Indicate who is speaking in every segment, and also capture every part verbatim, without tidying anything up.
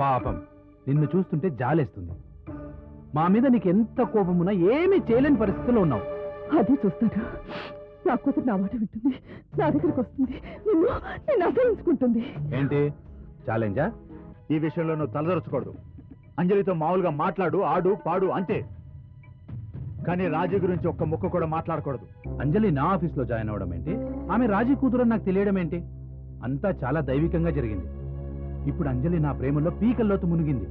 Speaker 1: పాపం నిన్ను చూస్తుంటే జాలేస్తుంది. మా మీద నీకు ఎంత కోపమున్నా ఏమీ చేయలేని పరిస్థితిలో ఉన్నావు.
Speaker 2: అది చూస్తాను. నా కూతురు నా మాట వింటుంది, నా దగ్గరికి వస్తుంది, నిన్ను నేను అసహించుకుంటుంది.
Speaker 1: ఏంటి ఛాలెంజా?
Speaker 3: ఈ విషయంలో నువ్వు తలదొరచకూడదు. అంజలితో మామూలుగా మాట్లాడు, ఆడు పాడు అంతే. కానీ రాజీ గురించి ఒక్క ముక్క కూడా మాట్లాడకూడదు.
Speaker 1: అంజలి నా ఆఫీస్లో జాయిన్ అవ్వడం ఏంటి, ఆమె రాజీ కూతురు నాకు తెలియడం ఏంటి? అంతా చాలా దైవికంగా జరిగింది. ఇప్పుడు అంజలి నా ప్రేమలో పీకల్లోతు మునిగింది.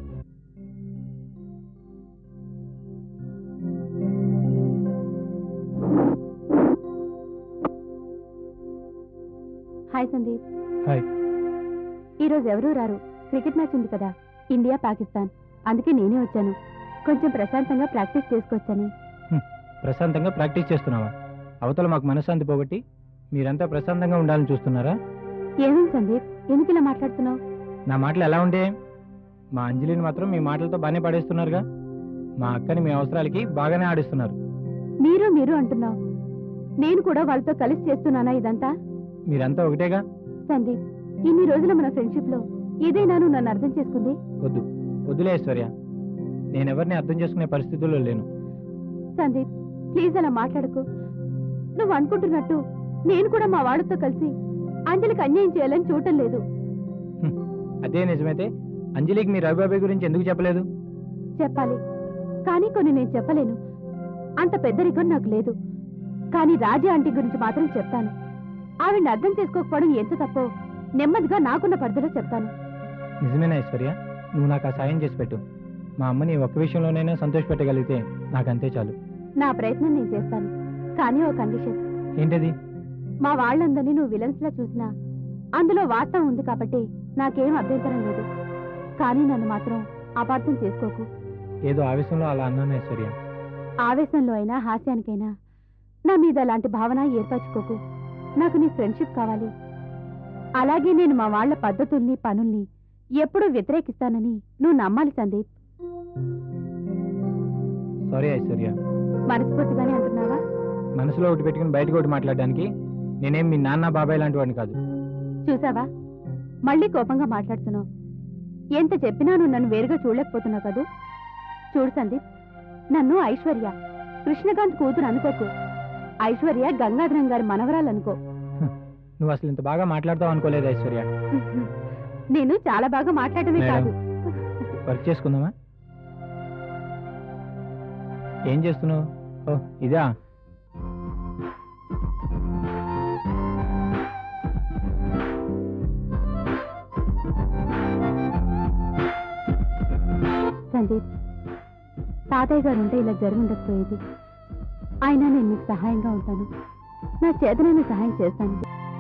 Speaker 4: హాయ్ సందీప్.
Speaker 1: హాయ్.
Speaker 4: ఈరోజు ఎవరూ రారు, క్రికెట్ మ్యాచ్ ఉంది కదా, ఇండియా పాకిస్తాన్. అందుకే నేనే వచ్చాను, కొంచెం ప్రశాంతంగా ప్రాక్టీస్ చేసుకోవచ్చని.
Speaker 5: ప్రశాంతంగా ప్రాక్టీస్ చేస్తున్నావా? అవతల మాకు మనశ్శాంతి పోగొట్టి మీరంతా ప్రశాంతంగా ఉండాలని చూస్తున్నారా?
Speaker 4: ఏమైంది సందీప్, ఎందుకు ఇలా మాట్లాడుతున్నావు?
Speaker 5: నా మాటలు ఎలా ఉంటే? మా అంజలిని మాత్రం మీ మాటలతో బాగానే పడేస్తున్నారుగా. మా అక్కని మీ అవసరాలకి బాగానే ఆడిస్తున్నారు.
Speaker 4: మీరు మీరు అంటున్నావు, నేను కూడా వాళ్ళతో కలిసి చేస్తున్నానా ఇదంతా?
Speaker 5: మీరంతా ఒకటేగా.
Speaker 4: సందీప్, ఇన్ని రోజుల మన ఫ్రెండ్షిప్ లో ఏదైనా నువ్వు నన్ను అర్థం చేసుకుంది?
Speaker 5: వద్దు వద్దులే ఐశ్వర్య, నేనెవరిని అర్థం చేసుకునే పరిస్థితుల్లో లేను.
Speaker 4: సందీప్ ప్లీజ్ అలా మాట్లాడకు. నువ్వు అనుకుంటున్నట్టు నేను కూడా మా వాళ్ళతో కలిసి అంజలికి అన్యాయం చేయాలని చూడటం లేదు.
Speaker 5: అదే నిజమైతే అంజలికి మీ రవిబాబాయ్ గురించి ఎందుకు చెప్పలేదు?
Speaker 4: చెప్పాలి, కానీ కొన్ని నేను చెప్పలేను. అంత పెద్దరికం నాకు లేదు. కానీ రాజీ ఆంటీ గురించి మాత్రం చెప్తాను. ఆవిడ్ని అర్థం చేసుకోకపోవడం ఎంత తప్పో నెమ్మదిగా నాకున్న పరిధిలో చెప్తాను.
Speaker 5: నిజమేనా ఐశ్వర్య? నువ్వు నాకు ఆ సాయం చేసి పెట్టు. మా అమ్మని ఒక్క విషయంలోనైనా సంతోష పెట్టగలిగితే నాకంతే చాలు.
Speaker 4: నా ప్రయత్నం నేను చేస్తాను, కానీ ఓ కండిషన్.
Speaker 5: ఏంటది?
Speaker 4: మా వాళ్ళందరినీ నువ్వు విలన్స్ లా చూసినా అందులో వాస్తవం ఉంది కాబట్టి నాకేం అభ్యంతరం లేదు. కానీ నన్ను మాత్రం అపార్థం చేసుకోకు.
Speaker 5: ఏదో ఆవేశంలో అలా అన్నాను ఐశ్వర్య.
Speaker 4: ఆవేశంలో అయినా హాస్యానికైనా నా మీద అలాంటి భావన ఏర్పరచుకోకు. నాకు నీ ఫ్రెండ్షిప్ కావాలి. అలాగే నేను మా వాళ్ల పద్ధతుల్ని పనుల్ని ఎప్పుడూ వ్యతిరేకిస్తానని నువ్వు నమ్మాలి సందీప్.
Speaker 5: సారీ ఐశ్వర్య.
Speaker 4: మనస్ఫూర్తిగానే అంటున్నావా?
Speaker 5: మనసులో ఒకటి పెట్టుకుని బయటకు ఒకటి మాట్లాడడానికి నేనేం మీ నాన్న బాబాయ్ లాంటి వాడిని కాదు.
Speaker 4: చూసావా, మళ్ళీ కోపంగా మాట్లాడుతున్నావు. ఎంత చెప్పినా నువ్వు నన్ను వేరుగా చూడలేకపోతున్నావు కదూ. చూడు సందీప్, నన్ను ఐశ్వర్య కృష్ణకాంత్ కూతురు అనుకోకు. ఐశ్వర్య గంగాధరం గారి మనవరాలనుకో.
Speaker 5: నువ్వు అసలు ఇంత బాగా మాట్లాడతావు అనుకోలేదు ఐశ్వర్య.
Speaker 4: నేను చాలా బాగా మాట్లాడమే కాదు.
Speaker 5: వర్క్ చేసుకుందామా? ఏం చేస్తున్నావు? ఓ ఇదా.
Speaker 4: సందీప్, తాతయ్య గారు ఉంటే ఇలా జరుగుండకపోయేది. అయినా నేను మీకు సహాయంగా ఉంటాను. నా చేతనైన సహాయం చేస్తాను.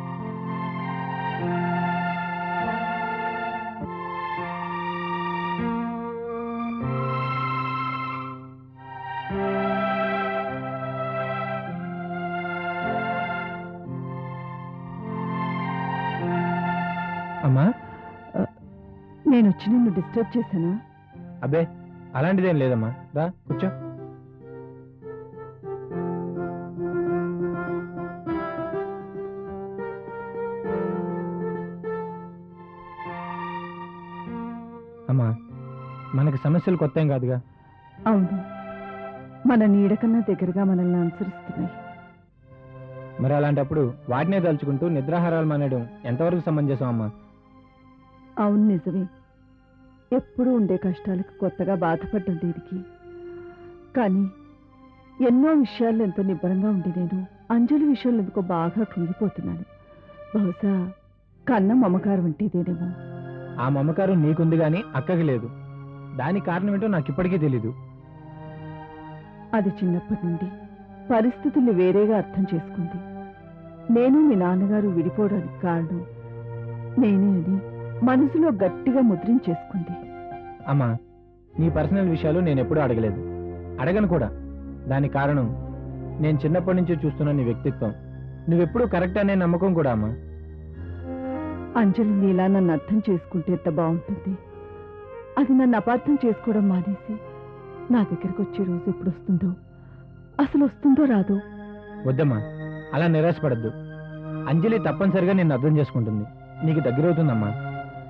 Speaker 5: అమ్మా,
Speaker 2: నేను వచ్చి నిన్ను డిస్టర్బ్ చేశానా?
Speaker 5: అబ్బే అలాంటిదేం లేదమ్మా, రా కూర్చో. అమ్మా, మనకి సమస్యలు కొత్త ఏం కాదుగా.
Speaker 2: అవును, మన నీడ కన్నా దగ్గరగా మనల్ని అనుసరిస్తున్నాయి.
Speaker 5: మరి అలాంటప్పుడు వాటినే తలుచుకుంటూ నిద్రాహారాలు మానేయడం ఎంతవరకు సమంజసం అమ్మా?
Speaker 2: అవును, నిజమే. ఎప్పుడూ ఉండే కష్టాలకు కొత్తగా బాధపడ్డం దీనికి. కానీ ఎన్నో విషయాల్లో ఎంతో నిబ్బరంగా ఉండి నేను అంజలి విషయంలో ఎందుకో బాగా కృంగిపోతున్నాను. బహుశా కన్న మమకారం ఉంటేదేనేమో.
Speaker 5: ఆ మమకారం నీకుంది గాని అక్కకి లేదు. దానికి కారణం ఏంటో నాకు ఇప్పటికీ తెలీదు.
Speaker 2: అది చిన్నప్పటి నుండి పరిస్థితుల్ని వేరేగా అర్థం చేసుకుంది. నేను మీ నాన్నగారు విడిపోవడానికి కారణం నేనే అని మనసులో గట్టిగా ముద్రించేసుకుంది.
Speaker 5: అమ్మా, నీ పర్సనల్ విషయాలు నేను ఎప్పుడూ అడగలేదు, అడగను కూడా. దానికి కారణం నేను చిన్నప్పటి నుంచి చూస్తున్న నీ వ్యక్తిత్వం. నువ్వెప్పుడూ కరెక్ట్ అనే నమ్మకం కూడా అమ్మా.
Speaker 2: అంజలి నీలా నన్ను అర్థం చేసుకుంటే ఎంత బాగుంటుంది. అది నన్ను అపార్థం చేసుకోవడం మానేసి నా దగ్గరికి వచ్చే రోజు ఎప్పుడు వస్తుందో, అసలు వస్తుందో రాదో.
Speaker 5: వద్దమ్మా, అలా నిరాశపడద్దు. అంజలి తప్పనిసరిగా నిన్ను అర్థం చేసుకుంటుంది, నీకు దగ్గరవుతుందమ్మా.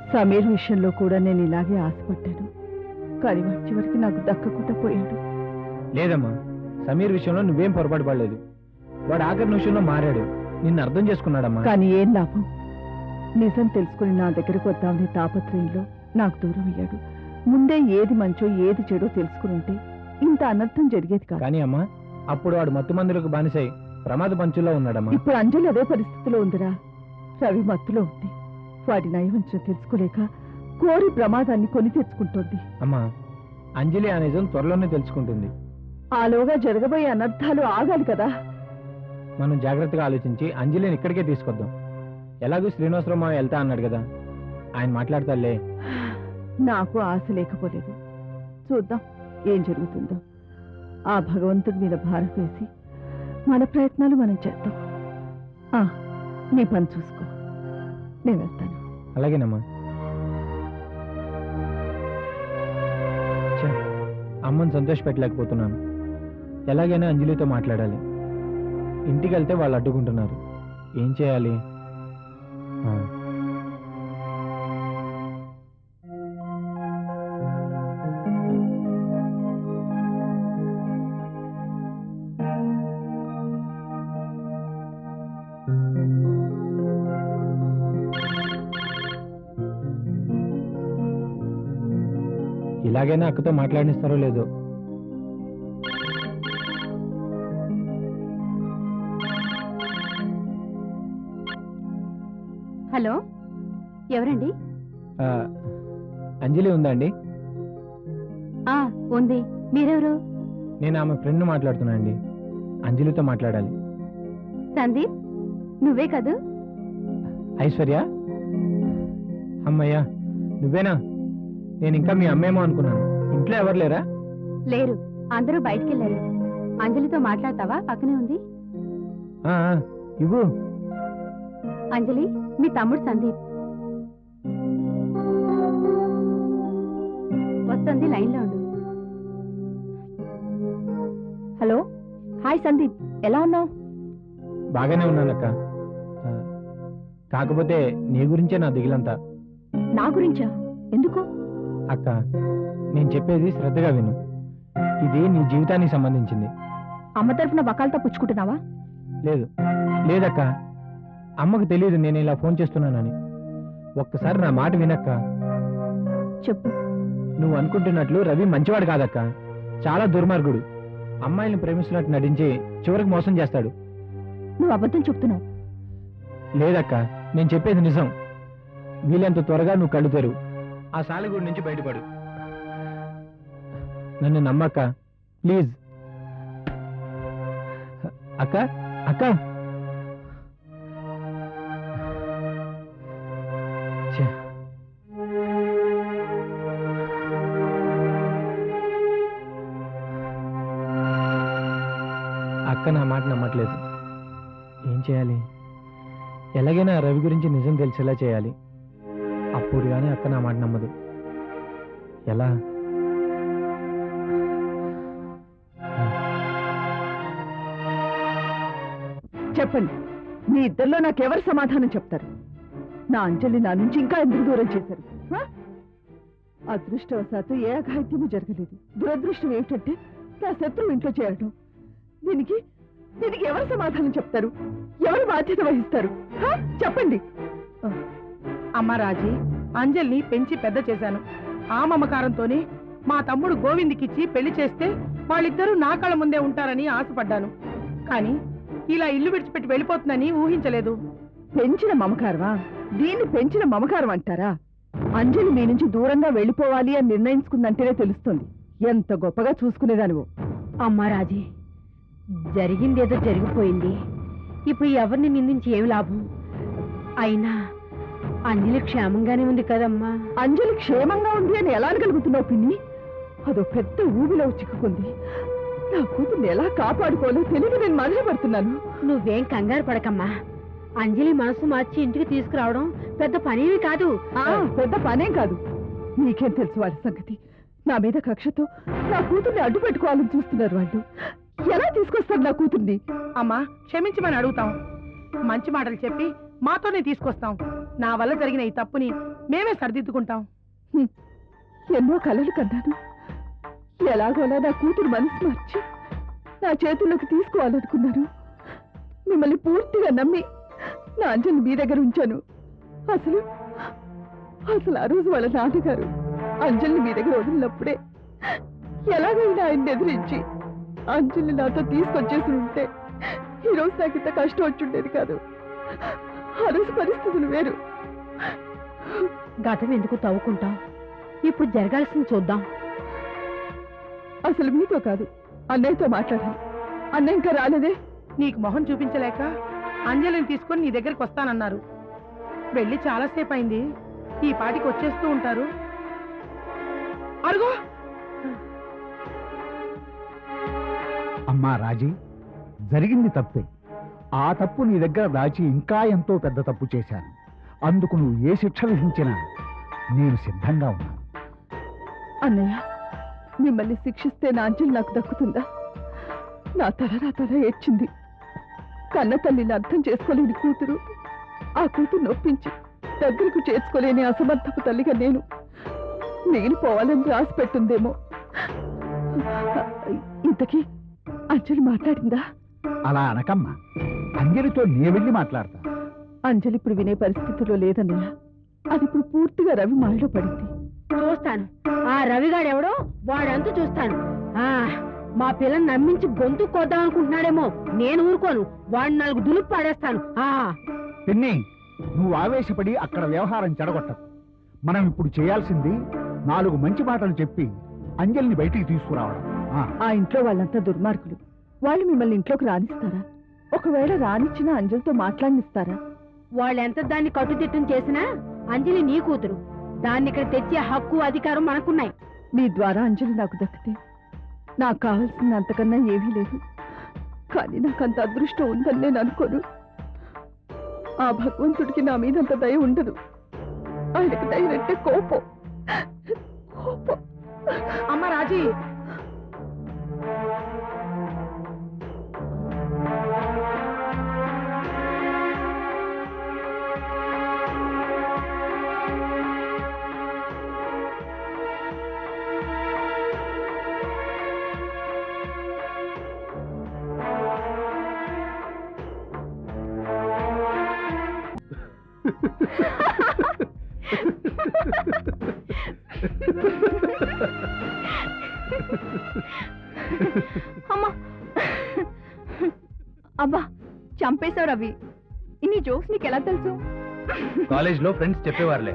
Speaker 2: సమీర్ విషయంలో కూడా నేను ఇలాగే ఆశపడ్డాను, కానీ వాడి చివరికి నాకు దక్కకుండా పోయాడు.
Speaker 5: లేదమ్మా, సమీర్ విషయంలో నువ్వేం పొరపాటు పడలేదు. వాడు ఆఖరి నిమిషంలో మారాడు, నిన్ను అర్థం చేసుకున్నాడమ్మా.
Speaker 2: కానీ ఏం లాభం? నిజం తెలుసుకుని నా దగ్గరకు వద్దామనే తాపత్రయంలో నాకు దూరం అయ్యాడు. ముందే ఏది మంచో ఏది చెడో తెలుసుకుని ఉంటే ఇంత అనర్థం జరిగేది కాదు.
Speaker 5: కానీ అమ్మా, అప్పుడు వాడు మత్తు మందులకు బానిసై ప్రమాద పంచుల్లో ఉన్నాడమ్మా.
Speaker 2: ఇప్పుడు అంజలి అదే పరిస్థితిలో ఉందిరా. రవి మత్తులో ఉంది. వాడి నయవంచం తెలుసుకోలేక కోరి ప్రమాదాన్ని కొని తెచ్చుకుంటోంది.
Speaker 5: అమ్మా, అంజలి ఆ నిజం త్వరలోనే తెలుసుకుంటుంది.
Speaker 2: ఆలోగా జరగబోయే అనర్థాలు ఆగాలి కదా.
Speaker 5: మనం జాగ్రత్తగా ఆలోచించి అంజలిని ఇక్కడికే తీసుకొద్దాం. ఎలాగూ శ్రీనివాసరావు మావ వెళ్తా అన్నాడు కదా, ఆయన మాట్లాడతాలే.
Speaker 2: నాకు ఆశ లేకపోలేదు. చూద్దాం ఏం జరుగుతుందో. ఆ భగవంతుడి మీద భారం వేసి మన ప్రయత్నాలు మనం చేద్దాం. ఆ, నీ పని చూసుకో, నేను వెళ్తాను.
Speaker 5: అలాగేనమ్మా. ఛే, అమ్మని సంతోష పెట్టలేకపోతున్నాను. ఎలాగైనా అంజలితో మాట్లాడాలి. ఇంటికి వెళ్తే వాళ్ళు అడ్డుకుంటున్నారు. ఏం చేయాలి? ఆ. ఇలాగైనా అక్కతో మాట్లాడిస్తారో లేదో.
Speaker 4: హలో, ఎవరండి?
Speaker 5: ఆ, అంజలి ఉందా అండి?
Speaker 4: ఆ ఉంది. మీరెవరు?
Speaker 5: నేను ఆమె ఫ్రెండ్ మాట్లాడుతున్నా అండి. అంజలితో మాట్లాడాలి.
Speaker 4: సందీప్, నువ్వే కదూ?
Speaker 5: ఐశ్వర్య, అమ్మయ్యా నువ్వేనా? నేను ఇంకా మీ అమ్మేమో అనుకున్నాను. ఇంట్లో ఎవరు లేరా?
Speaker 4: లేరు, అందరూ బయటికి వెళ్ళారు. అంజలితో మాట్లాడతావా? పక్కనే ఉంది.
Speaker 5: ఆ, ఆ, ఇవ్వు.
Speaker 4: అంజలి, మీ తమ్ముడు సందీప్ వస్తుంది, లైన్లో ఉండు.
Speaker 2: హలో, హాయ్ సందీప్, ఎలా ఉన్నావు?
Speaker 5: బాగానే ఉన్నానక్క. ఆ, కాకపోతే నీ గురించే నా దిగులంతా.
Speaker 2: నా గురించా? ఎందుకు?
Speaker 5: అక్క, నేను చెప్పేది శ్రద్ధగా విను. ఇది నీ జీవితానికి సంబంధించింది.
Speaker 2: అమ్మ తరఫున వకాలతో పుచ్చుకుంటున్నావా?
Speaker 5: లేదు లేదక్క, అమ్మకు తెలియదు నేను ఇలా ఫోన్ చేస్తున్నానని. ఒక్కసారి నా మాట వినక్క.
Speaker 2: చెప్పు.
Speaker 5: నువ్వు అనుకుంటున్నట్లు రవి మంచివాడు కాదక్క, చాలా దుర్మార్గుడు. అమ్మాయిని ప్రేమిస్తున్నట్టు నటించి చివరికి మోసం చేస్తాడు.
Speaker 2: నువ్వు అబద్ధం చెప్తున్నావు.
Speaker 5: లేదక్క, నేను చెప్పేది నిజం. వీలెంత త్వరగా నువ్వు కళ్ళు తెరువు, ఆ సాలెగూడి నుంచి బయటపడు. నన్ను నమ్మక్క, ప్లీజ్. అక్క అక్క ఛే. అక్క నా మాట నమ్మట్లేదు. ఏం చేయాలి? ఎలాగైనా రవి గురించి నిజం తెలిసేలా చేయాలి. అప్పుడు కానీ అక్క నా మాట నమ్మదు. ఎలా?
Speaker 2: చెప్పండి, మీ ఇద్దరిలో నాకెవరు సమాధానం చెప్తారు? నా అంజలి నా నుంచి ఇంకా ఎందుకు దూరం చేశారు? ఆ? అదృష్టవశాత్తు ఏ అఘాయిత్యము జరగలేదు. దురదృష్టం ఏమిటంటే నా శత్రువు ఇంట్లో చేరడం. దీనికి దీనికి ఎవరు సమాధానం చెప్తారు? ఎవరు బాధ్యత వహిస్తారు? ఆ? చెప్పండి.
Speaker 6: అమ్మ రాజీ, అంజలిని పెంచి పెద్ద చేశాను. ఆ మమకారంతోనే మా తమ్ముడు గోవింద్కిచ్చి పెళ్లి చేస్తే వాళ్ళిద్దరూ నా కళ్ళ ముందే ఉంటారని ఆశపడ్డాను. కానీ ఇలా ఇల్లు విడిచిపెట్టి వెళ్ళిపోతుందని ఊహించలేదు.
Speaker 2: పెంచిన మమకారమా? దీన్ని పెంచిన మమకారం అంటారా? అంజలి మీ నుంచి దూరంగా వెళ్ళిపోవాలి అని నిర్ణయించుకుందంటేనే తెలుస్తుంది ఎంత గొప్పగా చూసుకునేదానివో.
Speaker 7: అమ్మా రాజీ, జరిగిందేదో జరిగిపోయింది. ఇప్పుడు ఎవరిని నిందించి ఏమి లాభం? అయినా అంజలి క్షేమంగానే ఉంది కదమ్మా.
Speaker 2: అంజలి క్షేమంగా ఉంది అని ఎలా అనగలుగుతున్నావు పిన్ని? అదో పెద్ద ఊబిలో చిక్కుకుంది. నా కూతుర్ని ఎలా కాపాడుకోవాలో తెలియక నేను మదనపడుతున్నాను.
Speaker 7: నువ్వేం కంగారు పడకమ్మా. అంజలి మనసు మార్చి ఇంటికి తీసుకురావడం పెద్ద పనేమి కాదు.
Speaker 2: ఆ, పెద్ద పనేం కాదు. నీకేం తెలుసు వాళ్ళ సంగతి? నా మీద కక్షతో నా కూతుర్ని అడ్డు పెట్టుకోవాలని చూస్తున్నారు వాళ్ళు. ఎలా తీసుకొస్తారు నా కూతుర్ని?
Speaker 6: అమ్మా, క్షమించమని అడుగుతాం. మంచి మాటలు చెప్పి మాతోనే తీసుకొస్తాం. నా వల్ల జరిగిన ఈ తప్పుని మేమే సరిదిద్దుకుంటాం.
Speaker 2: హ్మ్. ఎన్నో కలలు కన్నాను. ఎలాగోలా నా కూతురు మనసు మార్చి నా చేతుల్లోకి తీసుకోవాలనుకున్నాను. మిమ్మల్ని పూర్తిగా నమ్మి నా అంజలి మీ దగ్గర ఉంచాను. అసలు అసలు ఆ రోజు వాళ్ళ నాన్నగారు అంజలిని మీ దగ్గర వదిలినప్పుడే ఎలాగైనా ఆయన్ని ఎదిరించి అంజలిని నాతో తీసుకొచ్చేసి ఉంటే ఈరోజు నాకు ఇంత కష్టం వచ్చుండేది కాదు. ఆ రోజు పరిస్థితులు వేరు.
Speaker 7: గతం ఎందుకు తవ్వుకుంటాం? ఇప్పుడు జరగాల్సింది చూద్దాం.
Speaker 2: అసలు మీతో కాదు, అన్నయ్యతో మాట్లాడాలి. అన్నయ్య ఇంకా రాలేదే.
Speaker 6: నీకు మొహం చూపించలేక అంజలిని తీసుకొని నీ దగ్గరికి వస్తానన్నారు. వెళ్ళి చాలాసేపు అయింది. ఈ పాటికి వచ్చేస్తూ ఉంటారు. అరుగో
Speaker 3: అమ్మా రాజీ, జరిగింది తప్పే. ఆ తప్పు నీ దగ్గర దాచి ఇంకా ఎంతో పెద్ద తప్పు చేశాను. అందుకు నువ్వు ఏ శిక్ష విధించినా నేను సిద్ధంగా ఉన్నాను.
Speaker 2: అన్నయ్య, మిమ్మల్ని శిక్షిస్తే నా అంజలి నాకు దక్కుతుందా? నా తల నా తల ఏడ్చింది. కన్న తల్లిని అర్థం చేసుకోలేని కూతురు, ఆ కూతురు నొప్పించి దగ్గరకు చేర్చుకోలేని అసమర్థపు తల్లిగా నేను నేను పోవాలని రాసి పెట్టుందేమో. ఇంతకీ అంజలి మాట్లాడిందా?
Speaker 3: అలా అనకమ్మా, అంజలితో నే వెళ్ళి మాట్లాడతా.
Speaker 2: అంజలి ఇప్పుడు వినే పరిస్థితిలో లేదన్నయ్య. అది ఇప్పుడు పూర్తిగా రవి మాయలో పడింది.
Speaker 7: చూస్తాను ఆ రవిగాడెవడో వాడంతా చూస్తాను. ఆ మా పిల్లని నమ్మించి గొంతు కొద్దాం అనుకుంటున్నాడేమో. నేను ఊరుకోను, వాడిని నాలుగు దులుపు పాడేస్తాను. ఆ
Speaker 3: పిన్ని, నువ్వు ఆవేశపడి అక్కడ వ్యవహారం చెడగొట్టకు. మనం ఇప్పుడు చేయాల్సింది నాలుగు మంచి మాటలు చెప్పి అంజలిని బయటికి తీసుకురావడం. ఆ,
Speaker 2: ఆ ఇంట్లో వాళ్ళంతా దుర్మార్గులు. వాళ్ళు మిమ్మల్ని ఇంట్లోకి రానిస్తారా? ఒకవేళ రానిచ్చినా అంజలితో మాట్లాడినిస్తారా?
Speaker 7: వాళ్ళెంత దాన్ని కట్టుదిట్టం చేసినా అంజలి నీ కూతురు. దాన్ని ఇక్కడ తెచ్చే హక్కు అధికారం మనకున్నాయి.
Speaker 2: మీ ద్వారా అంజలి నాకు దక్కితే నాకు కావాల్సింది అంతకన్నా ఏమీ లేదు. కానీ నాకు అంత అదృష్టం ఉందని నేను అనుకోను. ఆ భగవంతుడికి నా మీద అంత దయ ఉండదు. ఆయనకు దయనంటే కోపం. కోపం.
Speaker 6: అమ్మ రాజీ,
Speaker 4: అమ్మా, అబ్బా చంపేశావు రవి. ఇన్ని జోక్స్ నీకు ఎలా తెలుసు?
Speaker 1: కాలేజ్ లో ఫ్రెండ్స్ చెప్పేవారులే.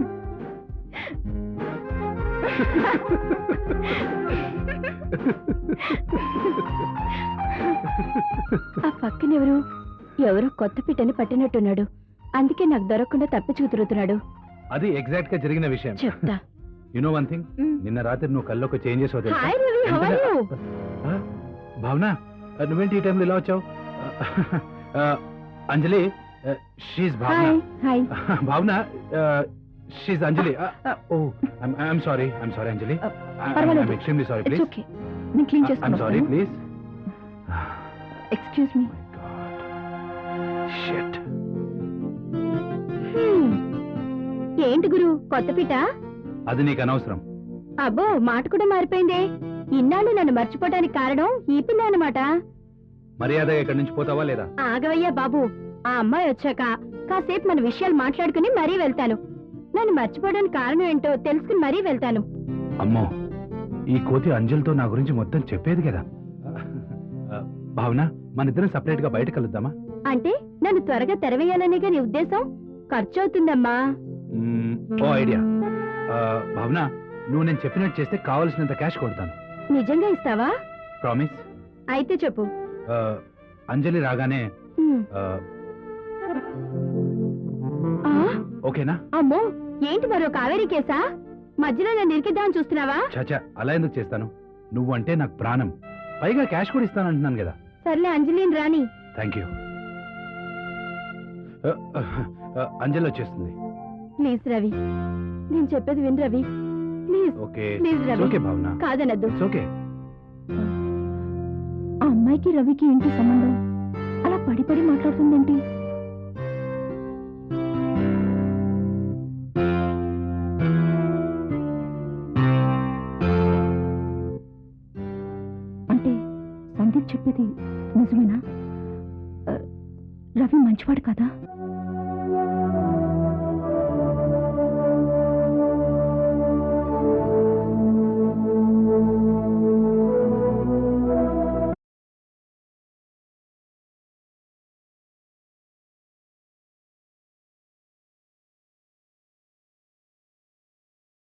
Speaker 4: ఆ పక్కనెవరు? ఎవరో కొత్త పిట్టని పట్టినట్టున్నాడు. అందుకే నాకు దొరకకుండా తప్పించుకు తిరుగుతున్నాడు.
Speaker 1: అది ఎగ్జాక్ట్ గా జరిగిన విషయం.
Speaker 4: చెప్తా.
Speaker 1: యు నో వన్ థింగ్, నిన్న రాత్రి నువ్వు కల్లోకి changes
Speaker 4: hi Ravi, how are you?
Speaker 1: Bhavana, నువ్వేంటి ఈ టైంలో ఇలా వచ్చావు? Anjali, she's Bhavana.
Speaker 4: Hi.
Speaker 1: Bhavana, she's Anjali. Oh I'm sorry, I'm sorry Anjali. I'm extremely sorry. Please.
Speaker 4: Okay, నేను క్లీన్
Speaker 1: ఐఎమ్ సారీ,
Speaker 4: చేస్తాను.
Speaker 1: ప్లీజ్.
Speaker 4: Excuse me.
Speaker 1: షిట్.
Speaker 4: ఏంటి గురు, కొత్త పిట?
Speaker 1: అది నీకు అనవసరం.
Speaker 4: అబ్బో, మాట కూడా మారిపోయిందే. ఇన్నాళ్ళు నన్ను మర్చిపోవడానికి కారణం ఈ పిల్ల అన్నమాట.
Speaker 1: మర్యాదగా ఇక్కడి నుంచి పోతావా లేదా?
Speaker 4: ఆగవయ్యా బాబు, ఆ అమ్మాయి వచ్చాక కాసేపు మన విషయాలు మాట్లాడుకుని మరీ వెళ్తాను. నన్ను మర్చిపోవడానికి కారణం ఏంటో తెలుసుకుని మరీ వెళ్తాను.
Speaker 1: అమ్మో, ఈ కోతి అంజలితో నా గురించి మొత్తం చెప్పేది కదా. భావన, మన ఇద్దరం సపరేట్ గా బయట కలుద్దామా?
Speaker 4: అంటే నన్ను త్వరగా తెరవేయాలనేగా నీ ఉద్దేశం? ఖర్చు అవుతుందమ్మా.
Speaker 1: మ్మ్, ఓ ఐడియా. ఆ, భావన, నువ్వు నేను చెప్పినట్టు చేస్తే కావలసినంత క్యాష్ కొడతాను.
Speaker 4: నిజంగా ఇస్తావా?
Speaker 1: ప్రామిస్.
Speaker 4: అయితే చెప్పు.
Speaker 1: ఆ, అంజలి రాగానే
Speaker 4: హ్మ్.
Speaker 1: ఆ,
Speaker 4: ఆ,
Speaker 1: ఓకేనా?
Speaker 4: అమ్మో, ఏంటి మరో కావేరీ కేసా? మధ్యలో నన్ను ఇరికిద్దామని చూస్తున్నావా?
Speaker 1: చాచా, అలా ఎందుకు చేస్తాను? నువ్వు అంటే నాకు ప్రాణం. పైగా క్యాష్ కూడా ఇస్తానంటున్నాను కదా.
Speaker 4: సర్లే, అంజలిని రాని.
Speaker 1: Thank you. అంజలి వచ్చేస్తుంది.
Speaker 4: ప్లీజ్ రవి, నేను చెప్పేది విను Ravi. Please
Speaker 1: okay.
Speaker 4: Please Ravi.
Speaker 1: Okay Bhavana,
Speaker 4: కాదనద్దు.
Speaker 1: ఓకే.
Speaker 4: ఆ అమ్మాయికి రవికి ఏంటి సంబంధం? అలా పడి పడి మాట్లాడుతుందేంటి? సందీప్ చెప్పేది నిజమేనా? రవి మంచివాడు కదా?